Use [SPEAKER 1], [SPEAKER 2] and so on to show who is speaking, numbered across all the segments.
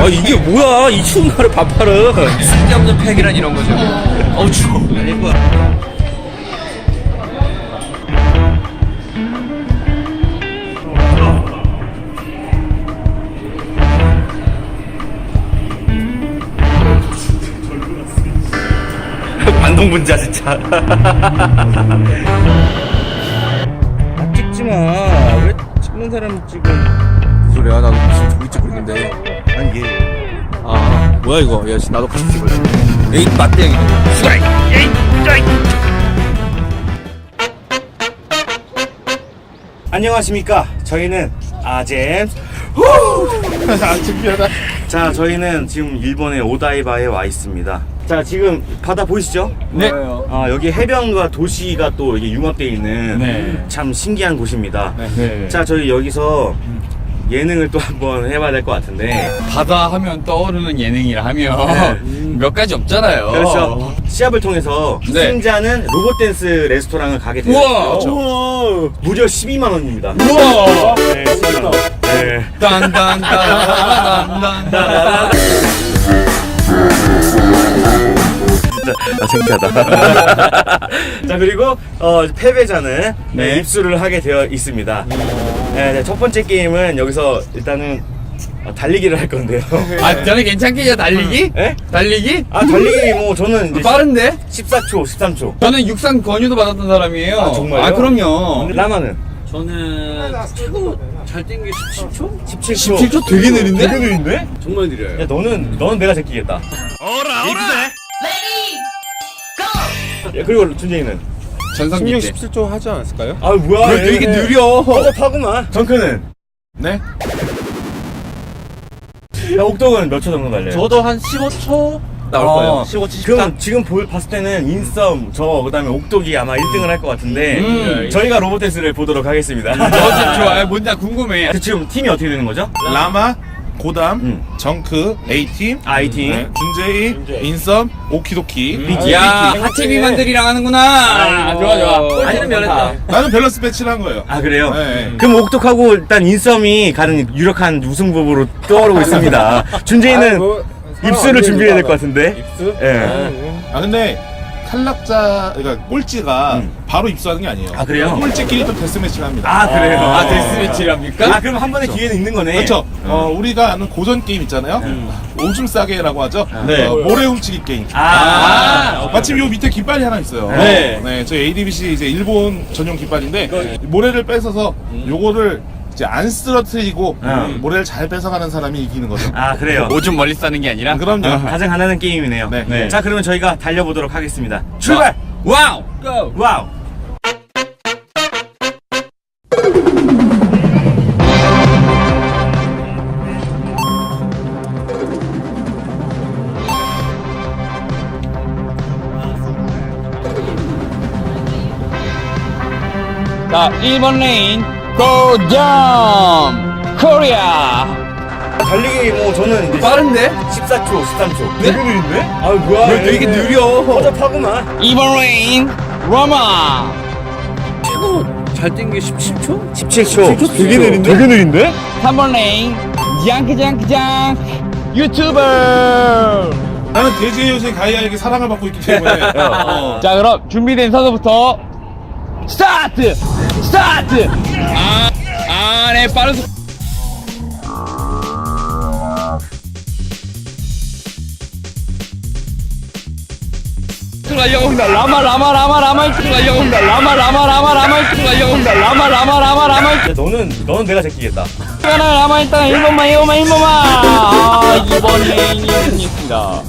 [SPEAKER 1] 아 이게 뭐야 이 추운 날에 반팔은.
[SPEAKER 2] 쓸데없는 팩이란 이런 거죠. 어우 추워. 아닐 거야.
[SPEAKER 1] 반동분자 진짜. 아, 찍지 마. 왜 찍는 사람 찍어?
[SPEAKER 2] 무슨 소리야? 나도 지금 저기 찍고 있는데.
[SPEAKER 1] 아니 얘.
[SPEAKER 2] 아 뭐야 이거? 야 나도 같이 찍을래. 에이 맞대양이네.
[SPEAKER 1] 안녕하십니까. 저희는 아잼.
[SPEAKER 2] 준비하다.
[SPEAKER 1] 자, 저희는 지금 일본의 오다이바에 와 있습니다. 자, 지금 바다 보이시죠?
[SPEAKER 2] 네.
[SPEAKER 1] 아, 여기 해변과 도시가 또 이게 융합되어 있는
[SPEAKER 2] 네.
[SPEAKER 1] 참 신기한 곳입니다.
[SPEAKER 2] 네.
[SPEAKER 1] 자, 저희 여기서 예능을 또 한번 해봐야 될 것 같은데.
[SPEAKER 3] 바다 하면 떠오르는 예능이라 하면 몇 가지 없잖아요.
[SPEAKER 1] 그렇죠. 시합을 통해서
[SPEAKER 3] 네.
[SPEAKER 1] 승자는 로봇 댄스 레스토랑을 가게 돼요.
[SPEAKER 3] 우와!
[SPEAKER 1] 그렇죠. 무려 12만 원입니다.
[SPEAKER 3] 우와!
[SPEAKER 1] 네, 12만 원. 네.
[SPEAKER 3] 딴딴딴딴딴딴.
[SPEAKER 1] 진짜 창피하다. 자, 그리고 패배자는
[SPEAKER 3] 네.
[SPEAKER 1] 입수를 하게 되어 있습니다. 네, 첫 번째 게임은 여기서 일단은 달리기를 할 건데요.
[SPEAKER 3] 아, 저는 괜찮겠죠? 달리기?
[SPEAKER 1] 예?
[SPEAKER 3] 달리기?
[SPEAKER 1] 아, 달리기 뭐 저는 이제
[SPEAKER 3] 빠른데?
[SPEAKER 1] 14초, 13초.
[SPEAKER 3] 저는 육상 권유도 받았던 사람이에요.
[SPEAKER 1] 아, 정말요?
[SPEAKER 3] 아, 그럼요.
[SPEAKER 1] 라마는
[SPEAKER 2] 저는 최고 잘 뛴 게 17초?
[SPEAKER 1] 17초.
[SPEAKER 3] 17초 되게 느린데?
[SPEAKER 1] 되게 느린데?
[SPEAKER 2] 정말 느려요.
[SPEAKER 1] 야, 너는 내가 제끼겠다. 야, 그리고 준재이는?
[SPEAKER 3] 전성기 때.
[SPEAKER 2] 17초 하지 않았을까요?
[SPEAKER 1] 아, 뭐야.
[SPEAKER 3] 왜 되게 느려?
[SPEAKER 1] 허접하구만. 정크는?
[SPEAKER 2] 네.
[SPEAKER 1] 야, 옥동은 몇 초 정도 달려요?
[SPEAKER 2] 저도 한 15초 나올 거예요. 15초, 14초.
[SPEAKER 1] 그럼 지금 봤을 때는 인썸, 그다음에 옥독이 아마 1등을 할 것 같은데 저희가 로봇 댄스를 보도록 하겠습니다.
[SPEAKER 3] 좋아요. 뭔지 궁금해.
[SPEAKER 1] 지금 팀이 어떻게 되는 거죠?
[SPEAKER 4] 라마, 고담, 정크, A팀,
[SPEAKER 1] I팀.
[SPEAKER 4] 네, 준제이, 인썸, 오키도키.
[SPEAKER 3] 야, 하체비만들이랑 하는구나. 좋아.
[SPEAKER 2] 아니는 면했다.
[SPEAKER 4] 나는 밸런스 배치를 한 거예요.
[SPEAKER 1] 아, 그래요?
[SPEAKER 4] 네.
[SPEAKER 1] 그럼 옥독하고 일단 인썸이 가는 유력한 우승부부로 떠오르고 있습니다. 준재이는 입수를 준비해야 될 것 같은데. 입수? 예.
[SPEAKER 4] 아 근데 탈락자, 그러니까 꼴찌가 바로 입수하는 게 아니에요.
[SPEAKER 1] 아, 그래요?
[SPEAKER 4] 꼴찌끼리 또 데스매치를 합니다.
[SPEAKER 1] 아, 그래요?
[SPEAKER 3] 아, 데스매치랍니까?
[SPEAKER 1] 아, 그럼 한 번의 기회는 있는 거네.
[SPEAKER 4] 그렇죠. 우리가 아는 고전 게임 있잖아요. 오줌 싸게라고 하죠.
[SPEAKER 1] 네.
[SPEAKER 4] 모래 훔치기 게임. 마침 요 밑에 깃발이 하나 있어요.
[SPEAKER 1] 네.
[SPEAKER 4] 저희 ADBC 이제 일본 전용 깃발인데 모래를 뺏어서 요거를 이제 안 쓰러뜨리고 모래를 잘 뺏어가는 사람이 이기는 거죠.
[SPEAKER 1] 아, 그래요?
[SPEAKER 3] 오줌 멀리 싸는 게 아니라?
[SPEAKER 4] 그럼요.
[SPEAKER 1] 가장 가난한 게임이네요.
[SPEAKER 4] 네.
[SPEAKER 1] 자, 그러면 저희가 달려보도록 하겠습니다. 출발!
[SPEAKER 3] 와우!
[SPEAKER 1] 와우!
[SPEAKER 3] 자, 1번 레인, 고점! 코리아!
[SPEAKER 1] 달리기 뭐 저는 이제
[SPEAKER 3] 빠른데?
[SPEAKER 1] 14초, 13초.
[SPEAKER 3] 네?
[SPEAKER 1] 되게 느린데? 아, 뭐야.
[SPEAKER 3] 왜 되게 느려?
[SPEAKER 1] 허접하구만.
[SPEAKER 3] 2번 레인, 로마!
[SPEAKER 2] 최고 잘 뛴 게 17초?
[SPEAKER 1] 17초.
[SPEAKER 2] 되게 느린데?
[SPEAKER 1] 되게 느린데?
[SPEAKER 3] 3번 레인, 짱크짱크짱! 유튜버!
[SPEAKER 4] 나는 대지의 여신 가이아에게 사랑을 받고 있기 때문에
[SPEAKER 3] 자, 그럼 준비된 선수부터 스타트! 스타트! 네, 빠른 속. 달려온다. 라마 이쪽 달려온다. 라마 이쪽 달려온다. 라마
[SPEAKER 1] 야, 너는 내가 제끼겠다.
[SPEAKER 3] 라마 일단 1번만. 2번 레인이 승리했습니다.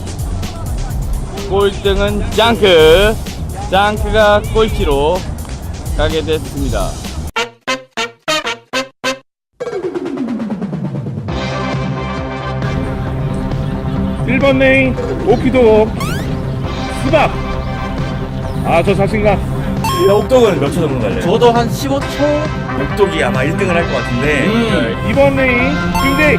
[SPEAKER 3] 꼴등은 짱크가 꼴찌로 가게 됐습니다.
[SPEAKER 5] 일번 레인 오키도 수박. 저 자신감.
[SPEAKER 1] 야, 옥독은 몇 초 정도 달려요?
[SPEAKER 2] 저도 한 15초?
[SPEAKER 1] 옥독이 아마 1등을 할 것 같은데
[SPEAKER 5] 2번 레인 준대.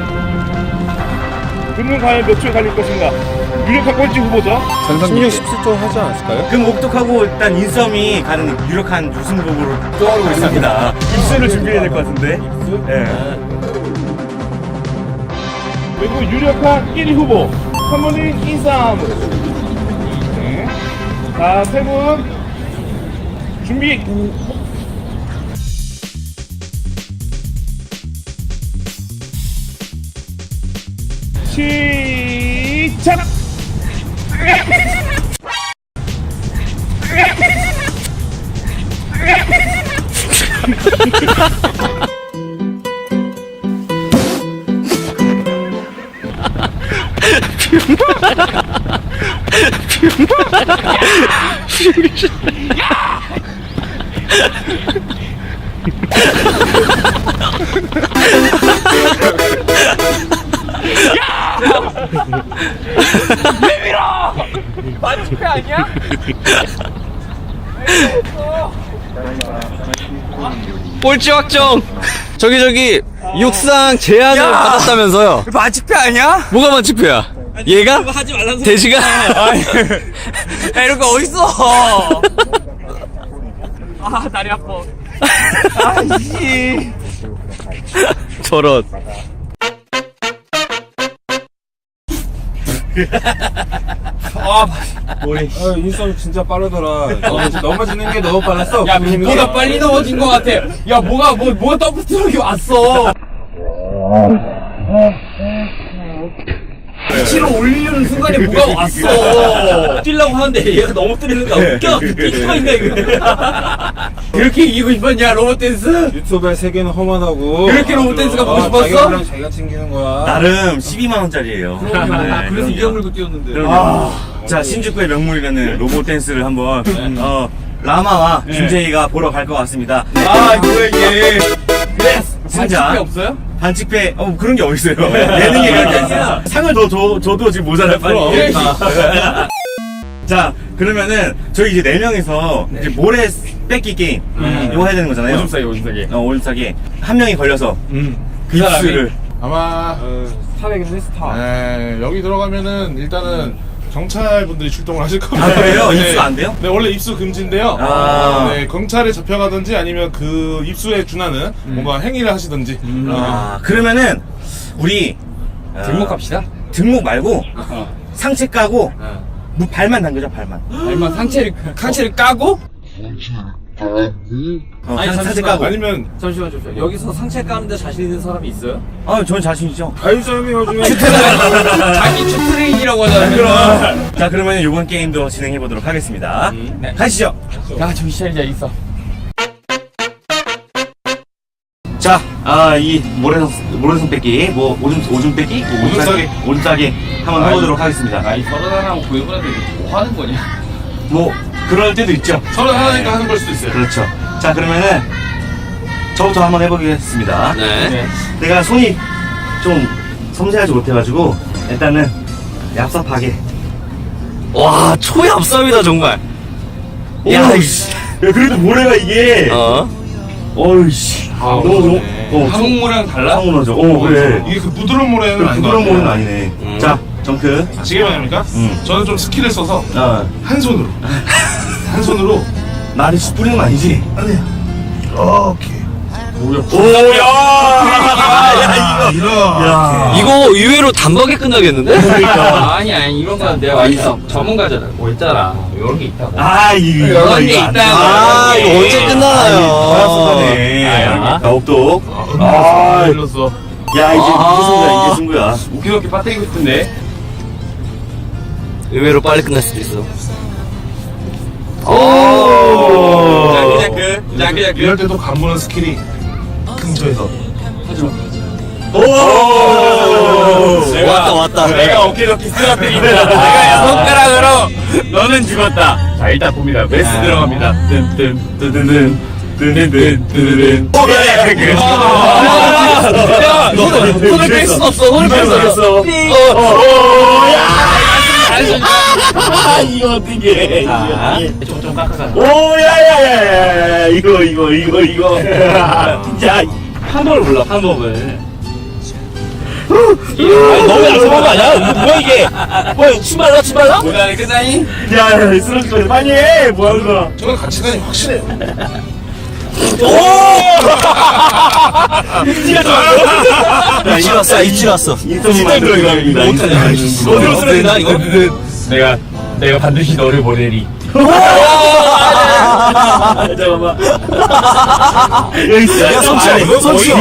[SPEAKER 5] 그는 과연 몇 초에 갈릴 것인가? 유력한 꼴찌 후보죠.
[SPEAKER 3] 전성기
[SPEAKER 2] 17초 하지 않았을까요?
[SPEAKER 1] 그럼 옥독하고 일단 인썸이 가는 유력한 우승부부로 떠오르고 있습니다. 입수를 준비해야 될 것 같은데. 예.
[SPEAKER 5] 그리고 유력한 1위 후보 3번인 인싸움으로. 네. 자, 3분 준비. 시작!
[SPEAKER 3] 마지패 아니야?
[SPEAKER 2] 꼴찌 확정. 저기 육상 제안을 받았다면서요?
[SPEAKER 3] 마지패 아니야?
[SPEAKER 2] 뭐가 만취표야? 얘가?
[SPEAKER 3] 하지 말라는 소리.
[SPEAKER 2] 돼지가?
[SPEAKER 3] 야, 이런 거 어딨어? 아, 다리 아파. 아이씨.
[SPEAKER 2] 저런.
[SPEAKER 6] 인싸움 진짜 빠르더라. 넘어지는 게 너무 빨랐어.
[SPEAKER 3] 야, 빈보다 빨리 넘어진 것 같아. 야, 뭐가 더블 트럭이 왔어. 위치로 올리는 순간에 뭐가 왔어. 뛰려고 하는데 얘가 너무 때리는 거야. 웃겨. 뛰기만 있네, 이거. 그렇게 이기고 싶었냐, 로봇 댄스?
[SPEAKER 6] 유튜브의 세계는 험하다고.
[SPEAKER 3] 그렇게 로봇 댄스가 보고 싶었어?
[SPEAKER 6] 자기가 그냥 자기가 챙기는 거야.
[SPEAKER 1] 나름 12만원짜리예요.
[SPEAKER 3] 그래서 이겨물고 뛰었는데.
[SPEAKER 1] 자, 신주쿠의 명물이라는 로봇 댄스를 한번 라마와 준재이가 보러 갈 것 같습니다.
[SPEAKER 3] 아, 뭐야, 이게. 그래,
[SPEAKER 1] 진짜.
[SPEAKER 3] 반칙패 없어요?
[SPEAKER 1] 반칙패 그런 게 어딨어요. 예능이 그런 게 아니라 상을 더 줘도 지금 모자랄 판이에요. 자, 그러면은 저희 이제 4명이서 이제 모래 뺏기 게임 이거 해야 되는 거잖아요.
[SPEAKER 3] 오줌 싸기.
[SPEAKER 1] 오줌 싸기. 한 명이 걸려서 그
[SPEAKER 3] 사람이?
[SPEAKER 1] 입술을
[SPEAKER 4] 아마
[SPEAKER 6] 스타되겠네 스타.
[SPEAKER 4] 여기 들어가면은 일단은 경찰분들이 출동을 하실 겁니다.
[SPEAKER 1] 아, 그래요? 입수 안 돼요?
[SPEAKER 4] 네, 원래 입수 금지인데요.
[SPEAKER 1] 아.
[SPEAKER 4] 네, 경찰에 잡혀가든지 아니면 그 입수에 준하는 뭔가 행위를 하시든지.
[SPEAKER 1] 그러면은 우리
[SPEAKER 3] 등록합시다.
[SPEAKER 1] 등목 말고 상체 까고 발만 당겨줘, 발만.
[SPEAKER 3] 얼마 상체를 까고?
[SPEAKER 1] 아니, 상체
[SPEAKER 3] 잠시만.
[SPEAKER 1] 까고.
[SPEAKER 4] 아니면
[SPEAKER 3] 잠시만. 여기서 상체 까는데 자신 있는 사람이 있어요?
[SPEAKER 1] 저는 자신 있죠.
[SPEAKER 6] 아유sam이 요즘에
[SPEAKER 3] 자기 추트레인이라고 하잖아요.
[SPEAKER 1] 자, 그러면 이번 게임도 진행해 보도록 하겠습니다.
[SPEAKER 3] 네.
[SPEAKER 1] 가시죠.
[SPEAKER 3] 야, 정신 차리자, 있어.
[SPEAKER 1] 자, 이 모래성 뺏기, 오줌 뺏기, 오줌 싸기 한번 해보도록 하겠습니다.
[SPEAKER 3] 아이, 서른 하나하고 고용분한테 뭐 하는 거냐?
[SPEAKER 1] 그럴 때도 있죠.
[SPEAKER 4] 서로 하나니까 하는 걸 수도 있어요.
[SPEAKER 1] 그렇죠. 자, 그러면은 저부터 한번 해보겠습니다.
[SPEAKER 2] 네.
[SPEAKER 1] 내가 손이 좀 섬세하지 못해가지고 일단은 얍삽하게.
[SPEAKER 2] 와, 초얍삽이다 정말. 야, 이씨.
[SPEAKER 1] 야, 그래도 모래가 이게. 어이씨. 너무
[SPEAKER 3] 한국모랑 달라?
[SPEAKER 1] 황홀하죠. 그래.
[SPEAKER 4] 이게 그 부드러운 모래는 아닌 것
[SPEAKER 1] 부드러운
[SPEAKER 4] 같아요.
[SPEAKER 1] 모래는 아니네. 자, 정크.
[SPEAKER 4] 아시겠습니까 저는 좀 스킬을 써서 한 손으로
[SPEAKER 1] 나한테 씨 뿌리는 거 아니지? 아니야. 오케이. 오야! 야,
[SPEAKER 2] 이거 의외로 단박에 끝나겠는데?
[SPEAKER 1] 그러니까.
[SPEAKER 3] 아니, 이런 건 내가 있어. 전문가잖아. 뭐 있잖아. 이런 게 있다고.
[SPEAKER 1] 이거
[SPEAKER 3] 이런 게
[SPEAKER 1] 안 돼.
[SPEAKER 3] 있다고.
[SPEAKER 2] 이거 언제 끝나나요?
[SPEAKER 1] 네. 똑똑.
[SPEAKER 4] 일렀어.
[SPEAKER 1] 야, 이게 승부야.
[SPEAKER 3] 웃기게 빠뜨리고 싶은데.
[SPEAKER 2] 의외로 빨리 끝날 수도 있어.
[SPEAKER 3] 자크.
[SPEAKER 4] 이럴 때도 간보는 스킬이 근처에서
[SPEAKER 2] 왔다.
[SPEAKER 3] 내가 어깨너키 쓰러뜨린다. 내가 손가락으로 너는 죽었다. 자, 일단 봅니다. 메스 들어갑니다. 뜬뜬뜬뜬뜬. 손을 뺄 수 없어. 손을 뺄 수 없어.
[SPEAKER 1] 이거 어떻게?
[SPEAKER 3] 좀 깎아가.
[SPEAKER 1] 오야야야야 이거. 야,
[SPEAKER 3] 방법을 몰라. 방법을.
[SPEAKER 1] 너무 약속한 거 아니야? 뭐야 이게? 뭐야 치말라?
[SPEAKER 3] 모자는 끝나니?
[SPEAKER 1] 야, 쓰러질 거야. 빨리 해. 뭐 하는 거야?
[SPEAKER 4] 저는 가치관이 확실해요.
[SPEAKER 1] 오!
[SPEAKER 2] 입질 왔어, 입질 왔어.
[SPEAKER 1] 인터넷 들어갑니다.
[SPEAKER 3] 어디로 쓰러진다 이거? 내가 반드시 너를 보내리.
[SPEAKER 1] 잠깐만. 여기 있어.
[SPEAKER 2] 야, 손치워, 손치워.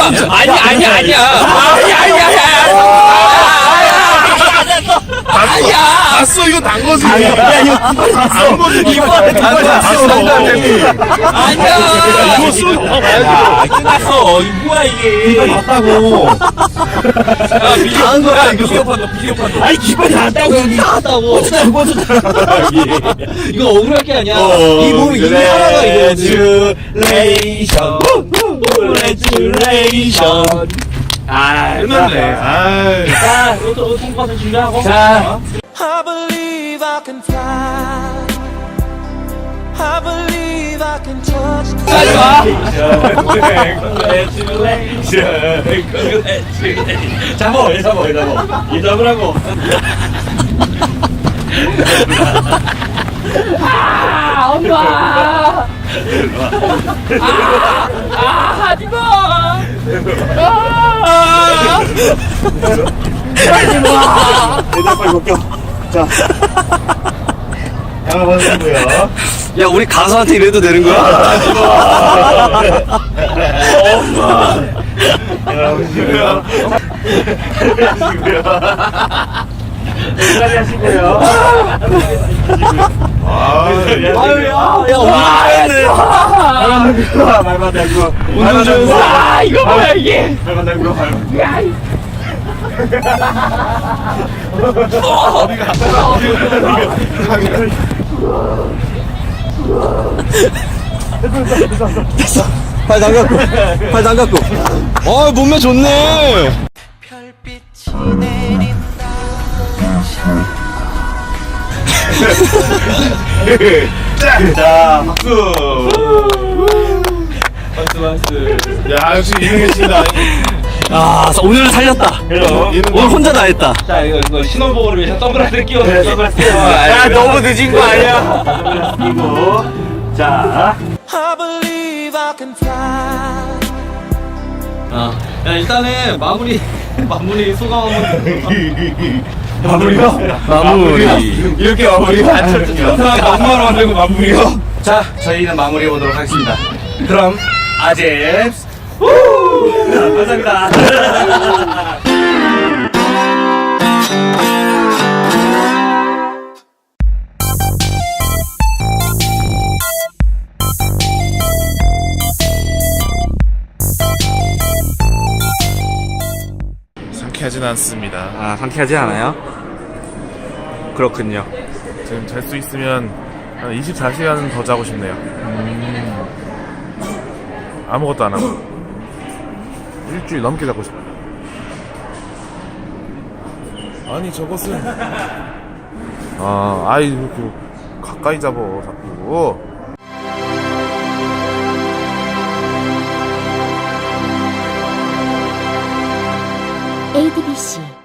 [SPEAKER 4] 봤어, 이거 단 거지.
[SPEAKER 1] 야, 이거 단 거지.
[SPEAKER 3] 이번에 아니야.
[SPEAKER 4] 이거 쓰고
[SPEAKER 3] 끝났어. 이거 뭐야 이게?
[SPEAKER 1] 봤다고.
[SPEAKER 3] 야, 비디오 판다.
[SPEAKER 1] 아니, 기빨이 나왔다고. 여기 나왔다고.
[SPEAKER 3] 이거 억울할 게 아니야. 이 몸이 이게 하나가 이거. Congratulation. 아,
[SPEAKER 4] 끝났네. 아이.
[SPEAKER 3] 자, 로또 통과서 준비하고. 자,
[SPEAKER 7] I believe I can fly. I believe I can touch the
[SPEAKER 3] 빨리 와.
[SPEAKER 1] 잡어, 얘 잡어. 얘 잡으라고. 얘들 빨리 벗겨. 자. 양을 벗으고요.
[SPEAKER 2] 야, 우리 가수한테 이래도 되는 거야?
[SPEAKER 1] 여기까지 하시고요. 말만 달고. 운전 좀. 아, 이거 뭐야, 이게. 말만 달고.
[SPEAKER 2] 팔 담갔고, 팔 담갔고. 몸매 좋네.
[SPEAKER 7] 별빛이 내린다.
[SPEAKER 1] 자, 박수.
[SPEAKER 4] 야, 역시 이능했습니다.
[SPEAKER 2] 아, 오늘은 살렸다. 오늘 혼자 다 했다.
[SPEAKER 3] 자, 이거 신혼복을 위해서 선글라스를 끼워서 선글라스 끼워.
[SPEAKER 2] 야, 너무 늦은 거 아니야?
[SPEAKER 1] 그리고, 자.
[SPEAKER 7] I believe I can fly.
[SPEAKER 3] 야, 일단은 마무리 소감 한번.
[SPEAKER 1] 마무리요?
[SPEAKER 2] 마무리.
[SPEAKER 1] 이렇게 마무리요?
[SPEAKER 3] 마무리 만들고 마무리요.
[SPEAKER 1] 자, 저희는 마무리해 보도록 하겠습니다. 그럼, 아잼스. 감사합니다.
[SPEAKER 4] 상쾌하진 않습니다.
[SPEAKER 2] 아, 상쾌하지 않아요? 그렇군요.
[SPEAKER 4] 지금 잘 수 있으면 한 24시간 더 자고 싶네요. 아무것도 안 하고 일주일 넘게 자고 싶어요. 아니 저것은 아이 이렇게 가까이 잡어 자꾸.
[SPEAKER 8] ADBC